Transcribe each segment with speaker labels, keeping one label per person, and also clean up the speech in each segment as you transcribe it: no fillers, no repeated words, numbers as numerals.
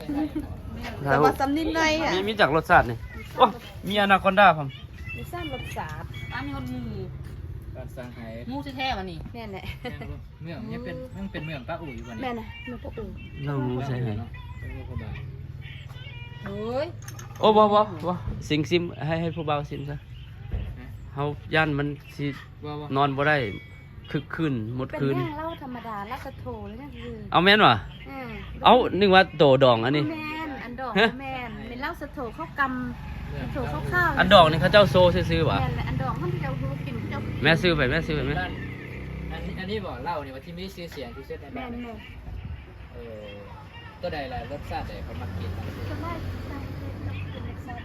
Speaker 1: แต่ว่าสำนิดหน่อยอ่ะ
Speaker 2: มีจากรสชาตินี่โอ้มีอนาคอนดาผม
Speaker 1: มีซ่านรสชาติ
Speaker 3: อันนี้มันหมู
Speaker 4: การสร้างให้
Speaker 3: หมูแท้ๆมันนี่
Speaker 1: แม่นแหละ
Speaker 4: เมืองเนี่ยเป็นเมืองป้าอู่อยู่วันนี้
Speaker 1: แม่น่ะมันก็อุ่น
Speaker 2: เรารู้ใช่ไหม
Speaker 4: เป็นเมืองพบา
Speaker 3: เฮ้ย
Speaker 2: โอ้บ่สิงซิมให้ผู้เบาซิมซะเฮาย่านมันสิ
Speaker 4: ว่าน
Speaker 2: อนบ่ได้คึกคืนหมด
Speaker 1: เป็น
Speaker 2: คืน
Speaker 1: ย่างเหล้าธรรมดาแล้วก็โถแล้วนั่นคือ
Speaker 2: เอาแม่นวะเอานึกว่าโตดองอันนี้
Speaker 1: แม่นอันดอกแม่นเป็นเหล้าสะโถเข้ากำโถเข้าข้าว
Speaker 2: อันดอกนี่เขาเจ้าโซซื้อๆวะ
Speaker 1: แม่นแหละอันดอกมันจะเอากินเจ้า
Speaker 2: แม่ซื้อไปแม่
Speaker 4: อันนี้บอกเล่าเนี่ยว่าที่มีชื่อเสียงที่สุดใน
Speaker 1: แม่
Speaker 4: บ้าน
Speaker 1: นแม่น
Speaker 4: ตัวใดล่ะรสชาติใดเขามักกิน
Speaker 1: ก็ได้เป็นเล็กซั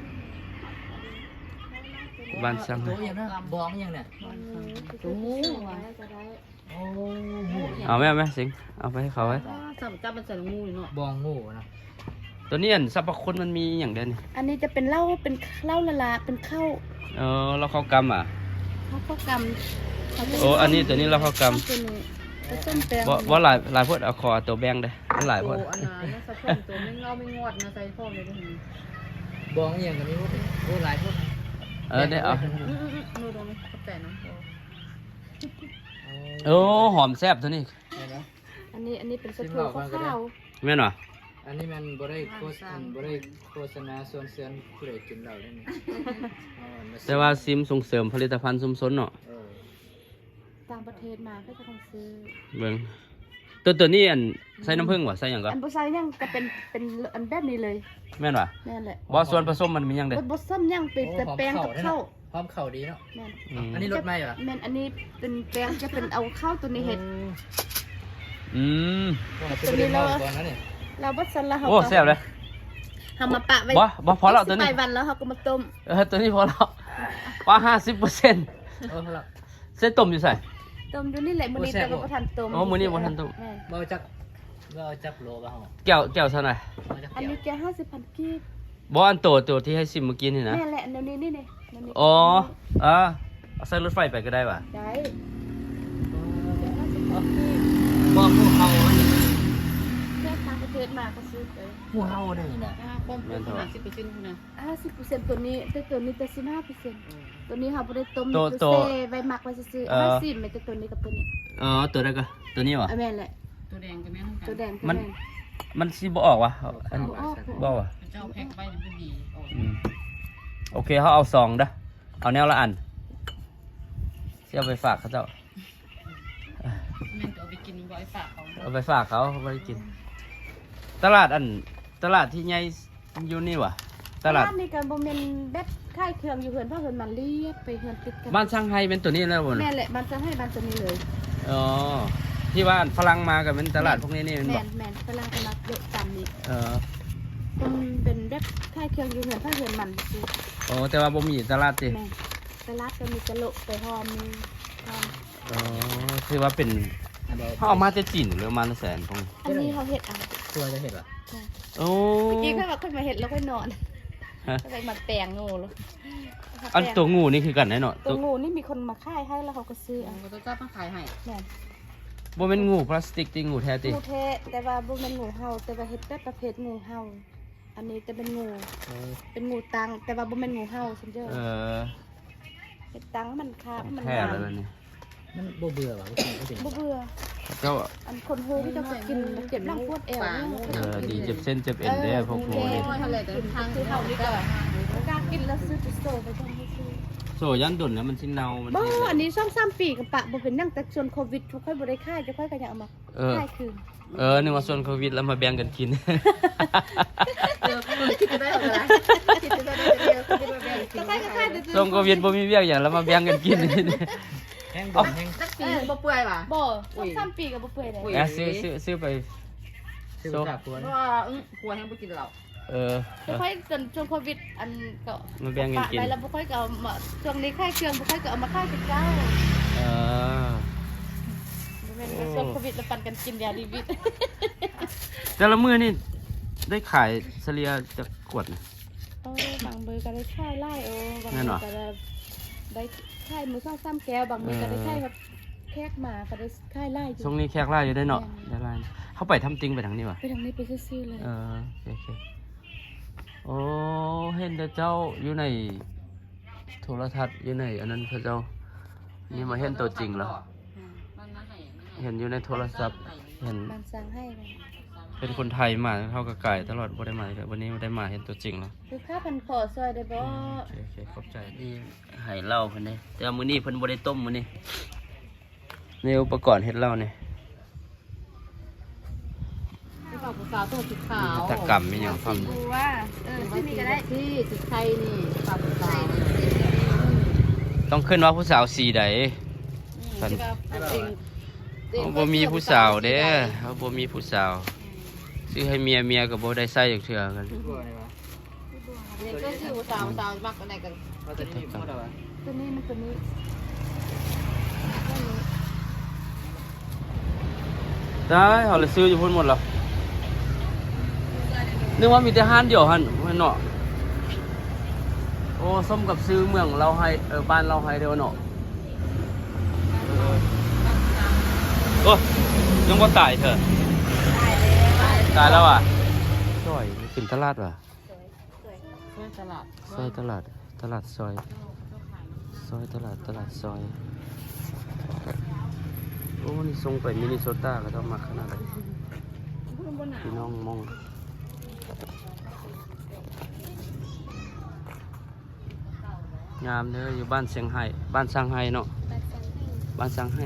Speaker 1: ส
Speaker 2: บ้านช่าง
Speaker 4: โตอย่างนั้นบ้องอย่างเนี่ย
Speaker 1: โอ้โหจะได้
Speaker 4: โอ้หมู
Speaker 2: เอาแม่สิงเอาไปให้เขาไว้
Speaker 3: จับมันใส่หมูเนาะ
Speaker 4: บ้องหมูนะ
Speaker 2: ตัวนี้อันสรรพคุณมันมีอย่างเดียวนี่
Speaker 1: อันนี้จะเป็นเหล้าละลาเป็นข้าว
Speaker 2: เราเข้ากำอ่ะ
Speaker 1: ข้าวกำ
Speaker 2: โอ้อันนี้ตัวนี้เราเข้ากำ
Speaker 1: ตัวนี้ผสมแป้ง
Speaker 2: บ่หลายพวดเอาคอตัวแบงได้มันหลายพวด
Speaker 3: โอ้อันนั้นนะสะพงตัวไม่เงาไม่งอดนะใส่พ่อเลยด้วยนี่
Speaker 4: บ้องอย่างกับมีพวกโอ้หลายพวก
Speaker 2: ได้เอา
Speaker 3: ดูตรงนี้เขาแต่น้ำพอ
Speaker 2: โอ้หอมแซ่บตัวนี้
Speaker 4: ใช่ไหม
Speaker 1: อันนี้เป็นสะโพกข้าว
Speaker 2: แม่นวะ
Speaker 4: อันนี้มันบ่ได้โฆษณาส่วนเสริญผู้ใดกินเหล้าได้นี่
Speaker 2: แต่ว่าซิมส่งเสริมผลิตภัณฑ์ชุมชนเนาะ
Speaker 1: ต่างประเทศมาก็จะต้องซื้อ
Speaker 2: เบิ่งตัวนี้อันใส่น้ำผึ้งวะใส่หยังก็
Speaker 1: อันบุษายยังก็เป็นอันแบบนี้เลย
Speaker 2: แม่นวะ
Speaker 1: นั่นแหละ
Speaker 2: ว่าส่วนผสมมันมีหยังเด้
Speaker 1: บดซ้ำยังเป็นแต่แป้งกับข้าว
Speaker 4: พร้อมเข่าดีเนาะ
Speaker 1: แม่น
Speaker 4: อันนี้รสไหมเหรอ
Speaker 1: แม่นอันนี้เป็นแป้งจะเป็นเอาข้าวตัวนี้เห็ด
Speaker 2: อืม
Speaker 4: ตัวนี้เราก่อนนะเนี่ย
Speaker 1: เราบดซันแล้วเขา
Speaker 2: โอ้แซ่บเลย
Speaker 1: ทำมาปะไว้
Speaker 2: บ่พอแล้วตัวนี้
Speaker 1: ไปวันแล้วเขาก็มาต้ม
Speaker 2: ตัวนี้พอแล้วว่า50%
Speaker 4: เออละ
Speaker 2: เส้นต้มอยู่ใส่
Speaker 1: ต้มอยู่นี่แหละมื้อนี้แต่ว่าบ่ทันต้ม
Speaker 2: อ๋อมื้อนี้บ่ทันต้ม
Speaker 1: แม่
Speaker 4: เราจับโลป่ะฮะ
Speaker 2: แก้วเท่าไหร่
Speaker 1: อันนี้แก50,000กีบ
Speaker 2: บ่อันโตที่ให้ซิมเมื่อกี้นี่นะ
Speaker 1: แม่นแหละเดี๋ยวนี้นี่นี่เดี๋ยวนี้
Speaker 2: อ๋อเอาใส่รถไฟไปก็ได้ว่ะ
Speaker 1: ได้แก50,000กีบ
Speaker 4: บ่หมูเฮา
Speaker 1: แค่ต่างประเทศมาก็ซื้อไป
Speaker 4: หมูเฮาได้นี่นะ
Speaker 3: ความเป็นขนาด10%คุณนะ
Speaker 1: 50%ตัวนี้แต่ตัวนี้แต่15%ตัวนี้เขาบ่ได้ต้ม
Speaker 2: ตัว
Speaker 1: เซ่ไว้หมักไว้ซื่อๆ50มันจะตัวนี้กับตัวนี้
Speaker 2: ตัวได้ก็ตัวนี้วะ
Speaker 1: แม่นแหละ
Speaker 3: ตัวแดงกับแม่ทั้งกั
Speaker 1: ตัวแดง
Speaker 2: มันสิบ่ออกวะอันบ่วะ
Speaker 3: เจ้าแพ็คไปมันดี
Speaker 2: โอเคเขาเอาซองเด้อเอาแนวละอันสิเอาไปฝากเขาเจ้า
Speaker 3: แม่นจะเอาไปกินบ่อยฝากเขา
Speaker 2: เอาไปฝากเขาไม่ได้กิน ตลาดที่ใหญ่อยู่นี่วะตลาด
Speaker 1: บ้านนี่ก็บ่แม่นแบบค่ายเครื่องอยู่เฮือนเพราะเฮือนมันเรียกไปเฮือนติดกัน
Speaker 2: บ้านช่างไฮเป็นตัวนี้แล้วบ่
Speaker 1: แม่
Speaker 2: นะ
Speaker 1: นแหละบ้านจะให้บ้านตัวนี้เลย
Speaker 2: อ๋อที่ว่าฝรั่งมากับเป็นตลาดพวกนี้นี่เป็นบ่
Speaker 1: แม่นฝรั่งเอามาเดะตามนี้
Speaker 2: เออ
Speaker 1: เป็นแบบค่ายเครื่องอยู่เฮือนเพราะเฮือนมันซื่อ
Speaker 2: โอ้แต่ว่าบ่มีตลาดติ
Speaker 1: แม่นตลาดก็มีกะโหลกไปหอมมีหอม
Speaker 2: อ๋อคือว่าเป็นเขาเอามาจะจีนหรือเอามาแสนพง
Speaker 1: อันนี้เขาเฮ็ดเอา
Speaker 4: ตัวจะเห็นป่ะ
Speaker 2: โอ้
Speaker 1: เมื่อกี้ค่อยว่าค่อยมาเฮ็ดแล้วค่อยนอน
Speaker 2: ฮะ
Speaker 1: ก็เลยมาแปลงงูแล้ว
Speaker 2: อันตัวงูนี่คือกันแน่เนอน
Speaker 1: ตัวงูนี่มีคนมาค่ายให้แล้วเขาก็ซื้อเอา
Speaker 3: เขาจะจับมาขายให้
Speaker 1: แม่น
Speaker 2: บ่เป็นงูพลาสติกติงูแท้ติ
Speaker 1: งูแท้แต่ว่าบ่แม่นงูเห่าแต่ว่าเฮ็ดแบบประเภทงูเห่าอันนี้จะเป็นงูเป็นงูตังแต่ว่าบ่แม่นงูเห่าซั่นเด้อ
Speaker 2: เออ
Speaker 1: เฮ็ดตังมันคาบมัน
Speaker 2: แท้
Speaker 1: งาม
Speaker 2: เลยนี่
Speaker 4: มันเบื่อป่ะไม่ถึง
Speaker 1: บ่เบื่อ
Speaker 2: เจ้า
Speaker 1: อันคนฮูที่เจะกินเจ็บหลังปวดเอวเนี่ย
Speaker 2: ดีเจ็บเส้นเจ็บเอ็นได้พวกงูนี่
Speaker 3: โอ้ยทะเลแต่ทาง
Speaker 1: คือ
Speaker 3: เขา
Speaker 1: เฮา
Speaker 3: นี่
Speaker 1: นี่
Speaker 3: ก็
Speaker 1: ก็กล้ากินแล้วซื้อติโซไปทำให้ซื้อ
Speaker 2: โซยันดุนแล้วมันสิเน่ามัน
Speaker 1: บ่
Speaker 2: สิ
Speaker 1: อันนี้2-3ปีกับปะบ่เป็นหยังแต่ส่วนโควิดทุกคนบ่ได้ค่ายจะค่อยก็อยากเอามาค่ายคืน
Speaker 2: นึกว่าส่วนโควิดแล้วมาแบ่งกันกิน
Speaker 3: เดี๋ยวคิดจะได้อะไรคิดจะได้เดียวคิดจะได้
Speaker 1: ก็ค่ายก็ค่ายแต่
Speaker 2: ส่วนโควิดบ่มีเวียกอย่างแล้วมาแบ่งกันกิน
Speaker 4: แห้งบ่แห้ง
Speaker 3: สักปีบ่เปื่อยป่ะ
Speaker 1: บ่2-3ปีก็บ่เปื่อยเลย
Speaker 2: ซื้อไป
Speaker 4: ซื้อขาควร
Speaker 3: เพราะว่ากลัวแห้งบ่กินเหล้า
Speaker 1: บ่ค่อยจนช่วงโควิดอันก็
Speaker 2: มาแบ่งกันกิน
Speaker 1: ไปแล้วบ่ค่อยก็เอามาช่วงนี้ค่ายเครื่องบ่ค่อยก็เอามาค่ายกับเจ้า
Speaker 2: เออ
Speaker 1: บ่แม่นว่าช่วงโควิดแล้วปันกันกินยาดีวิต
Speaker 2: แต่ละมื้อนี่ได้ขายเฉลี่ยจะขวดนะ
Speaker 1: โอ้บางมือก็ได้ค่ายไล่บาง
Speaker 2: แม่
Speaker 1: มื
Speaker 2: น
Speaker 1: อ
Speaker 2: บ่
Speaker 1: ก็ได้ค่ายมือซ้ำแก้วบางมือก็ได้ค่ายแบบแขกมาก็ได้ค่ายไล่อยู่
Speaker 2: ช่วงนี้แขกหลายอยู่ได้เนาะได้หลายเขาไปทำจริงไปทางนี้วะ
Speaker 1: ไปทางนี้ไปซื่อๆเลย
Speaker 2: โอเคโอ้เห็นแต่เจ้าอยู่ในโทรทัศน์อยู่ในอันนั้นพระเจ้านี่มาเห็นตัวจริงแล้วเห็นอยู่ในโทรศัพท์เห็น
Speaker 1: มันสั่งให้เลย
Speaker 2: เป็นคนไทยมาเท่ากับไก่ตลอดบ่ได้มาเลยวันนี้ได้มาเห็นตัวจริงแล้ว
Speaker 1: คือค่าพันขอซอยได้บ่
Speaker 2: โอเคขอบใจนี่ให้เหล้าเพิ่นเด้แต่ว่ามื้อนี้เพิ่นบ่ได้ต้มมื้อนี้นี่อุปกรณ์เฮ็ดเหล้านี่
Speaker 3: ที่บอกผู้สาวต้องสีขาว
Speaker 2: ตะกรรมมีหยังพร้อม
Speaker 1: ดูว่าที่นี่ก็ได้
Speaker 3: ที่สีไทยนี่ปากผู้สาว
Speaker 2: ต้องขึ้นว่าผู้สาวสีใด
Speaker 3: ที่ว่าจริง
Speaker 2: เขาบ่มีผู้สาวเด้เขาบ่มีผู้สาวซื้อให้เมียก็บ่ได้ใส่จักเทื่อกัน
Speaker 4: กลัวเลยวะ
Speaker 3: เด็กก็ชื่อผู้สาวมักอะไรกัน
Speaker 4: ว่าแต่นี่พูดอะไรวะ
Speaker 1: ตัวนี้มันตัวนี้
Speaker 2: ได้เขาเลยซื้ออยู่พุ่นหมดแล้วนึกว่ามีแต่ห้านเดียวหั่นว่าเนาะโอ้ส้มกับซื้อเมืองเราให้บ้านเราให้เด้อเนาะโอ้ยังบ่ตายเถอะตายแล้วอ่ะซอยขึ้นตลาดว่ะ
Speaker 3: ช่วยตลาด
Speaker 2: ซอยตลาดซอยตลาดซอยโอ้นี่ส่งไปมินนิโซตาก็ต้องมาขนาดไหนพี่น้องมองงามเด้ออยู่บ้านเชียงไฮ้บ้านซางไฮ้เนาะบ้านซางไฮ้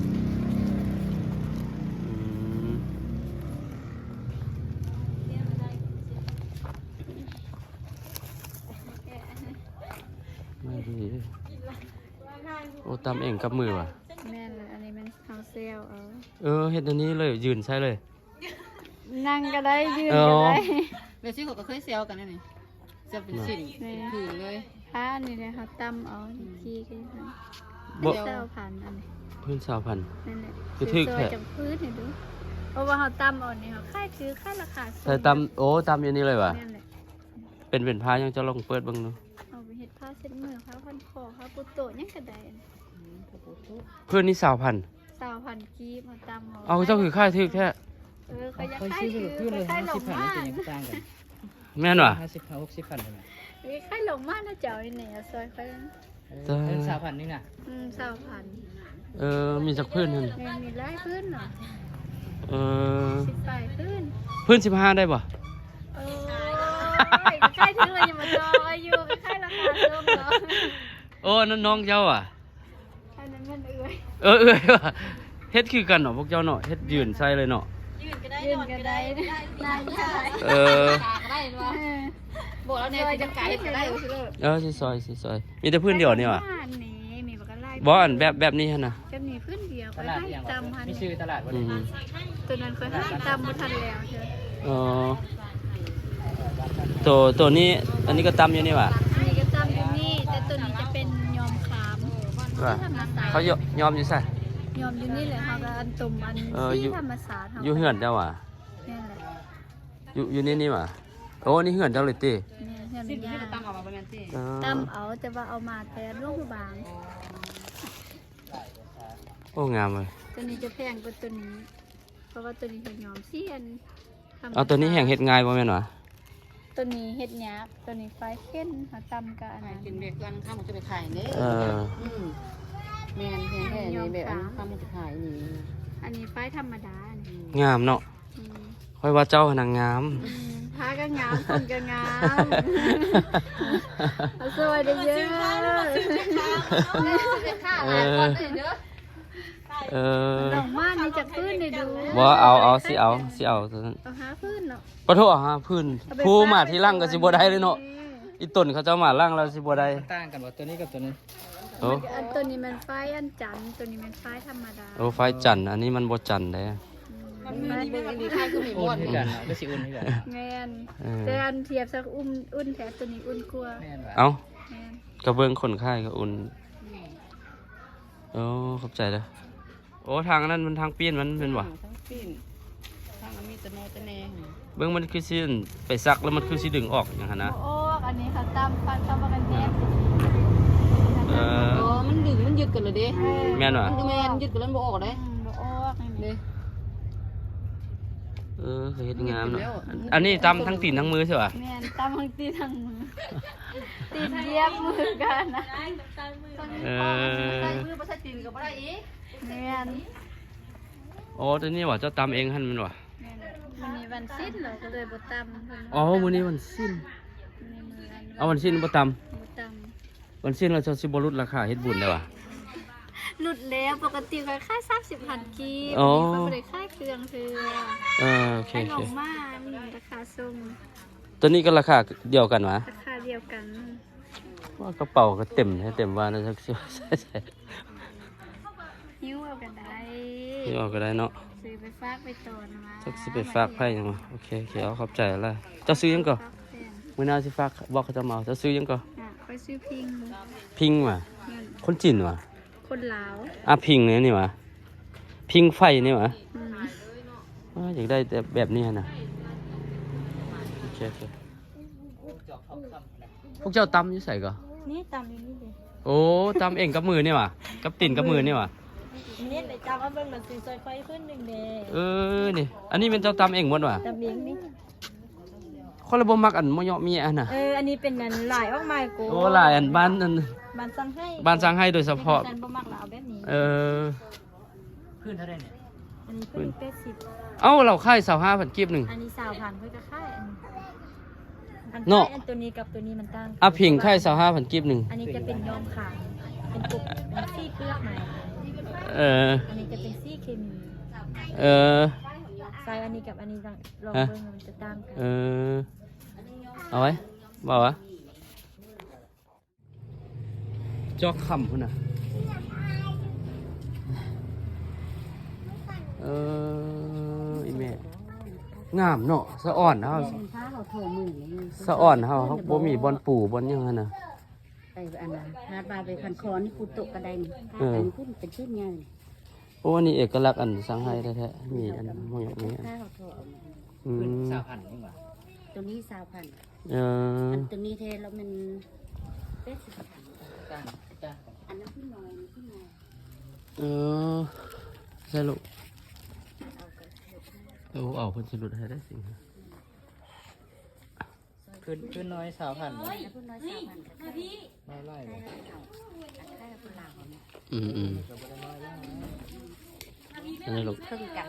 Speaker 2: ไม่ดีโอ้ตำเองกับมือว่ะ
Speaker 1: แม่นเลยอันนี้มันเฮาเซล
Speaker 2: เฮ็ดอันนี้เลยยืนใช่เลย
Speaker 1: นั่งก็ได้ยืนก็ได้
Speaker 3: เบซี่เขาก็เคยเซลกันนี่จะเป็นสิ่งถือเลย
Speaker 1: ผ้านี่เลยเขาตั้มเอาขี้กัน
Speaker 2: บ่
Speaker 1: เจ้าพันอันนี้
Speaker 2: พื้นสาวพัน
Speaker 1: นั่นแหละ
Speaker 2: คือทึก
Speaker 1: ซ
Speaker 2: แท้
Speaker 1: อยจากพื้นให้ดูเพราะว่าเขาตั้มเอานี่เขาค่ายคือค่ายราคาสูง
Speaker 2: ใส่ตำโอ้ตำอย่างนี้เลยว่ะ
Speaker 1: นั่นแหละ
Speaker 2: เป็นผ้ายังจะลองเปิดเบิ่งดู
Speaker 1: เอาไปเฮ็ดผ้าเช็ดมือผ้าพันคอผ้าปุโตะยังกระได
Speaker 2: เพื่อนนี่สาวพัน
Speaker 1: สาวพันกีบมาตั้ม
Speaker 2: เอาเจ้าคือค่ายทึกแท้
Speaker 1: เขาอยาก
Speaker 4: ค่อย
Speaker 1: ค่าย
Speaker 4: ซื้อ
Speaker 1: คือ
Speaker 4: ขึ้นเลย
Speaker 1: ค่ายหลง
Speaker 4: 50,000
Speaker 1: มา
Speaker 4: นี่เป็นยังต่างกัน
Speaker 2: แม่นว่ะ
Speaker 4: 50,000 60,000เลย
Speaker 1: ค่ายหลงมานะเจ้าไอ้เนี่ยซอยค่อย
Speaker 4: เป็น3,000นี่น่ะ
Speaker 1: สาวพัน
Speaker 2: มีจักเพื่อนนั่น
Speaker 1: มีไล่พื้นเหรอ
Speaker 2: เออ
Speaker 1: 15พื้น
Speaker 2: เพื่อน15ได้ป่ะ
Speaker 1: โอ้ยค่ายถึงเลยยังมาจอยอยู่ค่ายราคาสูงเนาะ
Speaker 2: โอ้นั่นน้องเจ้าอ่ะ
Speaker 1: อันนั้นมันเอื้อย
Speaker 2: ว่ะเฮ็ดคือกันเนาะพวกเจ้าเนาะเฮ็ดยืนใส่เลยเนาะ
Speaker 1: ยืนก็ได้นั่งก็ได้
Speaker 2: เออ
Speaker 3: กาก็ได้ด้วยบอกแล้วเนี่ยจะกาให้ก็ได้ก็คือ
Speaker 2: สิซอยมีแต่เพื่อนเดียวนี่ว่ะ
Speaker 1: นี่มีบักไล่
Speaker 2: บ่อันแบบนี้หั่นน่ะ
Speaker 1: จะมีพื้นเดียว
Speaker 4: ต
Speaker 1: ไป
Speaker 4: ลาด
Speaker 1: ให้
Speaker 4: อย่าง
Speaker 1: ตำพัน
Speaker 4: มีชื่อตลาดว่า
Speaker 2: อืม
Speaker 1: ตัวนั้นเคยให้ตำมาทันแล้วเชียว
Speaker 2: ตัวนี้อันนี้ก็ตำอยู่นี่ว่ะ
Speaker 1: อันนี้ก็ตำอยู่นี่แต่ตัวนี้จะเป็นยอมขาม
Speaker 2: ว่ะ
Speaker 1: ที่ธรรมศาสตร์
Speaker 2: เขายอมอยู่ใส่
Speaker 1: ยอมอยู่นี่เลยค่ะก็อันตุ่มอัน
Speaker 2: อยู่
Speaker 1: ที่ธรรมศาสตร์
Speaker 2: อยู่เหือนเจ้าว่ะ
Speaker 1: นี่แหละ
Speaker 2: อยู่นี่ว่ะโอ้นี่เหือนเจ้าเลยติ
Speaker 1: นี่เหือน
Speaker 3: สิ่ง
Speaker 1: ยา
Speaker 3: ที่จะตั้งออกมาเป็นที่
Speaker 1: ตำเอาแต่ว่าเอามาแต่ลูกบาง
Speaker 2: โอ้งามเลย
Speaker 1: ตัวนี้จะแพงกว่าตัวนี้ เพราะว่าตัวนี้เป็นยอมเสียนธรรมศาสตร์
Speaker 2: เอาตัวนี้แห้งเฮ็ดง่ายบ่แม่นวะ
Speaker 1: ตัวนี้เฮ็ดหยาบตัวนี้ไฟเข้นเขาตำกับอันนั้น
Speaker 3: กินเบรกกันข้ามจะไปขายเนี่ย แมนแค่นี้แบบข้ามจะขายนี่
Speaker 1: อันนี้ไฟธรรมดานี่
Speaker 2: งามเนาะ
Speaker 1: อืม
Speaker 2: ค่อยว่าเจ้าหนังงาม
Speaker 1: ผ้าก็งามคนก็งามเอาสวยได้เยอะ ดอกม่านนี่จากพื้นได้ดู
Speaker 2: บ่เอาสิเอาตัวนั้น
Speaker 1: เอาหาพื้นเนาะ
Speaker 2: ขอโทษฮะพื้นผู้มาที่ล่างก็สิบ่ได้เลยเนาะอีต้นเขาเจ้ามาล่างแล้วสิบ่ได้
Speaker 4: ต่างกันว่าตัวนี้กับตัวนี้
Speaker 2: โอ้
Speaker 1: อันตัวนี้มันไฟอันจันทร์ตัวนี้มันไฟธรรมดา
Speaker 2: โอ้ไฟจันทร์อันนี้มันบ่จันทร์เด้
Speaker 3: มันมีเป็นดีค่ายคือมีหม
Speaker 4: อุ่น
Speaker 3: ด
Speaker 4: คือกันเนาะก็สิอุ่นคือกัน
Speaker 1: แมนแต่อันเทียบสักอุ่นแถมตัวนี้อุ่นกว่า
Speaker 4: แม่นว่า
Speaker 2: เอ้า
Speaker 1: แมน
Speaker 2: กระเบื้องคนไข้ก็อุ่นโอ้ขอบใจเด้อโอ้ทางนั้นมันทางปีนมันเป็นบ่
Speaker 3: ทั้งปีนทั้งมีตะโนตะแนง
Speaker 2: เบื้องมันคือสิไปซักแล้วมันคือสิดึงออกอย่างนั้นนะ
Speaker 1: โอ้อันนี้เขาตำฟันตำกันแนบ
Speaker 2: เออ
Speaker 3: อ๋อมันดึงมันยึดกันเลยเด้
Speaker 2: แม่นว่ะ
Speaker 3: แม่นยึดกันแล้วบ่ออกเด้
Speaker 1: บ่ออกนี่
Speaker 3: เด้
Speaker 2: เคยเฮ็ดงามเนาะอันนี้ตำทั้งตีนทั้งมือใช่ป่ะ
Speaker 1: แม่นตำทั้งตีทั้งมือตีนเหยียบมือกันนะ
Speaker 3: ใส่มือบ่ใส่ตีนก็บ่ได้อีก
Speaker 1: แม่น
Speaker 2: อ๋อตัวนี้ว่าเจ้าตำเองหั่นมันว่ะ
Speaker 1: มันมีวันสิ้นเหรอก็เลยบ่ตำเพิ่น
Speaker 2: อ๋อมื้อนี้วันสิ้น
Speaker 1: มีมืออัน
Speaker 2: เอาวันสิ้นบ่ตำ
Speaker 1: บ่ต
Speaker 2: วันสิ้นเราจะสิบ่ลดราคาเฮ็ดบุญได้ว่ะ
Speaker 1: ำหลุดแล้วปกติเคยค่าย30,000กีบ
Speaker 2: อ๋อ
Speaker 1: มีคนบ่ได้ค่ายเครื่องคือ
Speaker 2: โอเค
Speaker 1: ให้
Speaker 2: โอ
Speaker 1: ล
Speaker 2: เค
Speaker 1: งมามีราคาส่ง
Speaker 2: ตัวนี้ก็ราคาเดียวกันวะ
Speaker 1: ราคาเดียวกัน
Speaker 2: ว่ากระเป๋าก็เต็มให้เต็มว่านะสักใส่
Speaker 1: หิ้วเอากันได้
Speaker 2: ที่ออกก็ได้เนาะ
Speaker 1: ซื้อไปฝากไปตอนมา
Speaker 2: สักสิไปฝากไผยังวะโอเคเอาขอบใจอะไรเจ้าซื้อยังก่อ
Speaker 1: ฝากแฟน
Speaker 2: มื้อหน้าสิฝากบอกเขาจะมาเอาเจ้าซื้อยังก่อ
Speaker 1: ไปซื้อพิง
Speaker 2: พิงว่ะ
Speaker 1: เงิน
Speaker 2: คนจีนว่ะ
Speaker 1: คนลาว
Speaker 2: พิงนี่ว่ะพิงไฟนี่ว่ะ
Speaker 1: อืม
Speaker 2: อยากได้แต่แบบนี้นะโอเคพวกเจ้าตำอยู่ใส่ก่อ
Speaker 1: นี่ตำอยู่นี่ดิ
Speaker 2: โอ้ตำเองกับมือนี่ว่ะกับตีนกับมือนี่ว่ะ
Speaker 1: นี่ไปจำว่าเบิ่งมันสิซอยไฟขึ้นหนึ่งเด้
Speaker 2: นี่อันนี้เป็นเจ้าตำเองหมดว่ะ
Speaker 1: ตำเองนี่
Speaker 2: คนละบ่มักอันมอยมีอันน่ะ
Speaker 1: อันนี้เป็นอันหลายออกมากู
Speaker 2: โอ้หลายอันบ้านอัน
Speaker 1: บ้านสั่งให้
Speaker 2: บ้านสร้างให้โดยเฉพาะ
Speaker 1: ฉันบ่มักแล้วเอาแบบนี้
Speaker 4: พื้นเท่าไหร่เนี่ย
Speaker 1: อันนี้คือ80
Speaker 2: เอ้าเราค่าย25,000กีบหนึ่ง
Speaker 1: อันนี้20,000เพิ่นก็ขายอัน
Speaker 2: เนาะ
Speaker 1: อันตัวนี้กับตัวนี้มันต่างกัน
Speaker 2: พิงค่าย25,000กีบหนึ่ง
Speaker 1: อันนี้จะเป็นย้อมขาวเป็นปุกเป็นซี่เปลือกใหม่ อันนี้จะเป็นซี่เคมี ใส่อันนี้กับอันนี้ลองเบิ่งมันจะต่างกัน
Speaker 2: เอาไว้บอกวะจอกคำพุ่นน่ะอีเมฆงามเนาะสะอ่อนเฮา
Speaker 3: ฟ้าเราโทรมือนี่
Speaker 2: สะอ่อนเฮาบ่มีบอนปู่บอนหยังหั่นน่ะ
Speaker 3: ไปอันน่ะหาดว่าไปคันคอนี่กูตกกระไดนี่
Speaker 2: เออ
Speaker 3: อันขึ้นเป็นชื่อไง
Speaker 2: โอ้อันนี้เอกลักษณ์อันสังไห้แท้ๆมีอันมอยมีอัน
Speaker 3: ฟ้าเราโทรเอามา
Speaker 4: พื้น20,000นี่หว่า
Speaker 3: ตัวนี้20,000 อันตัวนี้เทแล้วมัน80,000
Speaker 4: จ้าง
Speaker 3: อันนั้นพี่น้อยนี่พี่น้อย
Speaker 2: ใช่ลูก
Speaker 3: เอากระเทียม
Speaker 2: เอาเพิ่นสิหลุดให้ได้สิ่ง
Speaker 4: พื้นน้อย20,000
Speaker 3: แล้วพี่น้อย20,000ก็ได้
Speaker 4: น้อยไล่เลย
Speaker 3: ได้พี่ลาวเนี่ย
Speaker 4: ก็บ่ได้น้อยแล้ว
Speaker 2: อันนี้ลูก
Speaker 3: เพิ่งกัน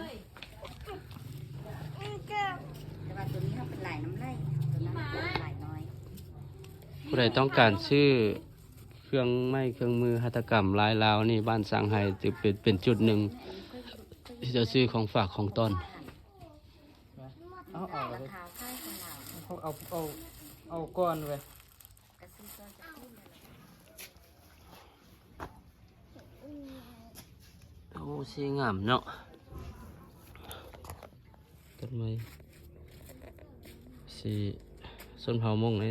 Speaker 3: แต่ว่าตัวนี้เขาเป็นลายน้ำไล่ตัวนั้นเป็นลายน้อย
Speaker 2: ผู้ใดต้องการชื่อเครื่องไม้เครื่องมือหัตถกรรมลายลาวนี่บ้านสร้างไห้จะเป็นจุดหนึ่งที่จะซื้อของฝากของต้น
Speaker 4: เอา
Speaker 3: ราคาค่ายของเรา
Speaker 4: เอาก้อนไว้
Speaker 3: กระซื้อตัวจะขึ้นเลย
Speaker 2: โอ้สีงามเนาะต้นไม้สีส้นเผามงนี่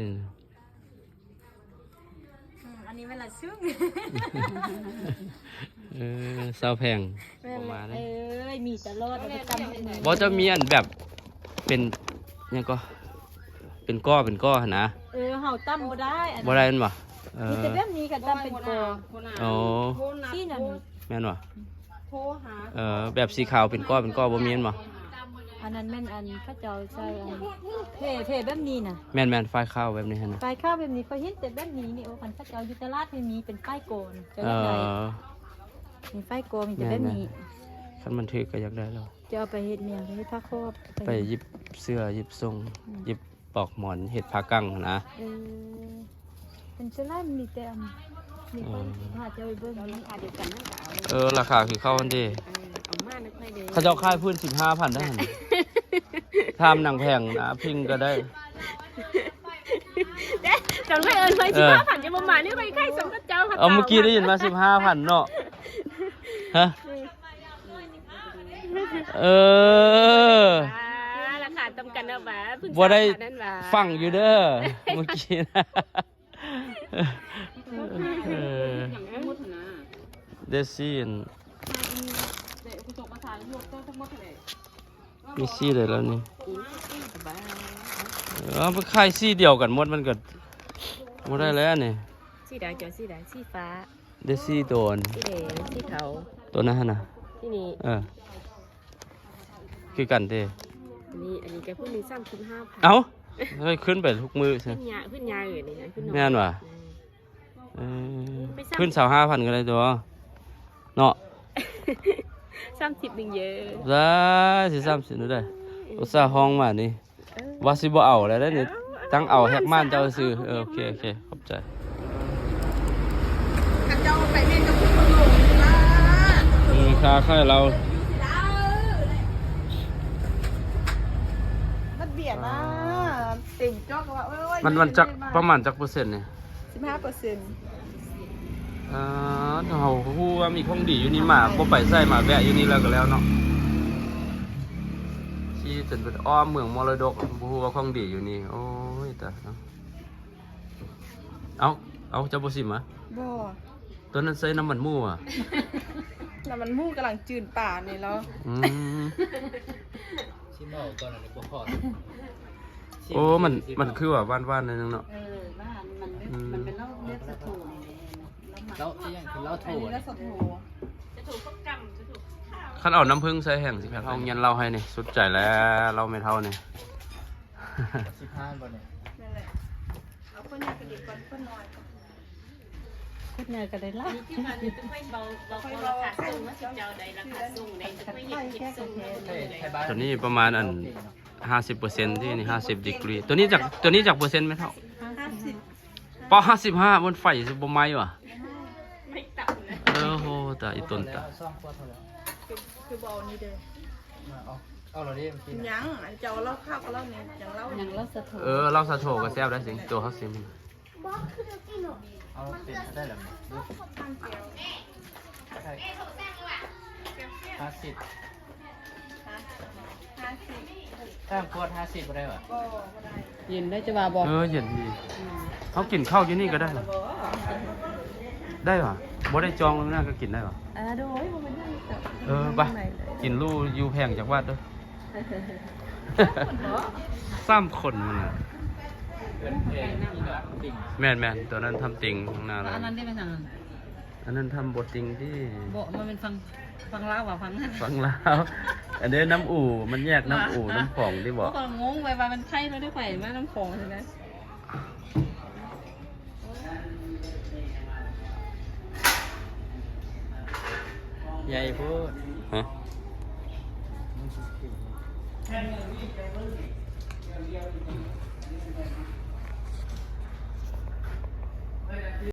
Speaker 1: อันนี้เวลาซึ้ง
Speaker 2: เศร้าแพงประมาณนี้
Speaker 1: มีตลอดประจำเป็น
Speaker 2: บ่จะมีอันแบบเป็นเนี่ยก็เป็นก้อหั่นนะ
Speaker 1: เฮาตั้มบ่ได้อัน
Speaker 2: บ่ได้แม่นบ่
Speaker 1: มีแต่แบบนี้ก็ตั้มเป็นกอ
Speaker 2: อ๋อ
Speaker 1: ที่นั่น
Speaker 2: แม่นบ่
Speaker 1: โทรหา
Speaker 2: แบบสีขาวเป็นก้อบ่มีแม่นบ่
Speaker 1: อันนั้นแม่นอันเขาเจ้าใช้อันเพแบบนี้น่ะ
Speaker 2: แม่นไฟขาวแบบนี้หั่นนะ
Speaker 1: ไฟข้าวแบบนี้เขาเห็นแต่แบบนี้นี่โอ้คันเขาเจ้าอยู่ตลาดมีเป็นไฟโกนจะได้ไงมีไฟโกนมีแต่แบบนี้
Speaker 2: คันมันถือก็อยากได้แล้ว
Speaker 1: จะเอาไปเฮ็ดเมียงไปเฮ็ดผ้าครอบ
Speaker 2: ไปหยิบเสื้อหยิบทรงหยิบปลอกหมอนเห็ดผ้ากั้งนะ
Speaker 1: เป็นเสื้อลายมีแต่มีคนหาจะไปเบิ่ง
Speaker 3: ราคาเดียวกันนั่นก็เอา
Speaker 2: ราคาคือเข้ากันดี
Speaker 3: เอามาไม่ค่อยเด้
Speaker 2: เขาเจ้าค่ายพื้น 15,000ได้หั่นทามหนังแพงนะพิงก็ได้
Speaker 1: จำไม่ไว้15,000จะมานี่ไปใครสมกับเจ้าค่ะ
Speaker 2: เอาเมื่อกี้ได้ยินมา 15,000เนาะฮะ
Speaker 1: ราคาตำกันนะบ่า
Speaker 2: บ่ได้ฟังอยู่เด้อเมื่อกี้นะเดซี่มีซี่เลยแล้วนี่ไปค่ายซี่เดียวกันหมดมันก็บ่ได้แล้วนี่
Speaker 1: สีใดเจ้าสีใดสีฟ้า
Speaker 2: เดซี่ตัวอัน
Speaker 3: ที่เดที่เขา
Speaker 2: ตัวนั้นหั่นน่ะ
Speaker 3: ที่นี่
Speaker 2: คือกันเด้
Speaker 3: อันนี้แกพูดมี35,000
Speaker 2: เอ้าเฮ้ยขึ้นไปทุกมือใช่
Speaker 3: ขึ้นยาอยู่นี่ขึ้น
Speaker 2: แม่นว่ะขึ้น25,000ก็ได้ตัวเนาะ
Speaker 3: 30นึงเยอะ
Speaker 2: ได้สิ30นู่นได้อุตส่าห์ห้องมานี่ว่าสิบ่เอาแล้วได้นี่ตั้งเอาแฮกม่านเจ้าซื้อโอเคขอบใจ
Speaker 1: เจ้าไปเล่นกับคุณลุงนะ
Speaker 2: ค่าค่าเรา
Speaker 1: มันเบียดนะเต็มจอกว่า
Speaker 2: มันจักประมาณจักเปอร์เซ็นต์เนี่ย
Speaker 1: 15%
Speaker 2: เราฮู้ว่ามีของดีอยู่นี่มาบ่ไปใส่มาแวะอยู่นี่แล้วก็แล้วเนาะที่จนเป็นอ้อมเมืองมรดกบ่ฮู้ว่าของดีอยู่นี่โอ้ยตายเนาะเอาเจ้าบ่สิมา
Speaker 1: บ่
Speaker 2: ตัวนั้นใส่น้ำมันหมูอ่ะ
Speaker 1: แล้วมันมู่กำลังจืดป่านี่แล้ว
Speaker 4: ชิมเอาก่อนอันนี้บ่พอ
Speaker 2: โอ้มันคือว่าว่านๆนิดนึงเนาะ
Speaker 3: บ้านมันเป็นเล่าเลือดสะโถนี่
Speaker 4: แล้วอีหยังคือเหล้าโถ
Speaker 1: อันนี้ก็สดโห
Speaker 2: คันเอาน้ำผึ้งใส่แห้งสิครับเอาเงินเราให้นี่สุดใจแล้วเราไม่เท่านี่
Speaker 4: 15บ่เนี่ย
Speaker 1: นั่นแหละเอาคนนี้กระดิกก่อนคนน้อย
Speaker 3: ขึ้นยาก็ได้ละ
Speaker 5: ที่มันจะไม่เบาราคาสูงว่าสิเจ้าใดราคาสูงใดจะไม่เห็นคิดสูงเลย
Speaker 2: ตัวนี้ประมาณ50%ที่นี่50 ดีกรีตัวนี้จากเปอร์เซ็นต์ไม่เท่า
Speaker 1: 50
Speaker 2: ป55บนไฟสิบ่ไหม้ว่ะ
Speaker 5: ไม่ต่ำเลย
Speaker 2: โหตาอีต้นตา
Speaker 4: ซ่อมขวดเท่าแล้ว
Speaker 1: คือบ่เอานี่เด้อ
Speaker 4: เอาเราดิเมื่อกี้
Speaker 1: ยังอันเจ้าเล่าข้าวกับเล่าเนี่ยยังเล่า
Speaker 3: ยังเล่าสะโถ
Speaker 2: เราสะโถก็แซ่บได้สิตัวเขาซิม
Speaker 4: เอาเป็นได้แล้วดูใช่50ถ้าขวด50บ่ได้ว่ะ
Speaker 1: ก็บ่ได้
Speaker 3: ยินได้จะว่าบอก
Speaker 2: เย็นดีเขากินข้าวอยู่นี่ก็ได้เหรอได้เหรอบ่ได้จองแล้วนะก็กินได้เหรอ
Speaker 1: โดยบ่เป็นนั่นจ้ะ
Speaker 2: ไปกินลู่อยู่แพงจากวัดเด้อ3 คนมันน่ะ
Speaker 4: เป็นเพลงที่แบบติ่ง
Speaker 2: แม่นตัวนั้นทำติงข้างหน้าเลย
Speaker 3: อันนั้นได้เป็นทาง
Speaker 2: อันนั้นทำบทติงที่
Speaker 3: บอกมันเป็นฟังเล่าว่าฟังนั่น
Speaker 2: ฟังแล้วอันนี้น้ำอู่มันแยกน้ำอู่น้ำผ่องที่บอก
Speaker 3: ก็งงไปว่ามันไข่เราได้ไข่มาน้ำของใช่ไหม
Speaker 4: ใหญ่พูด
Speaker 2: ฮะ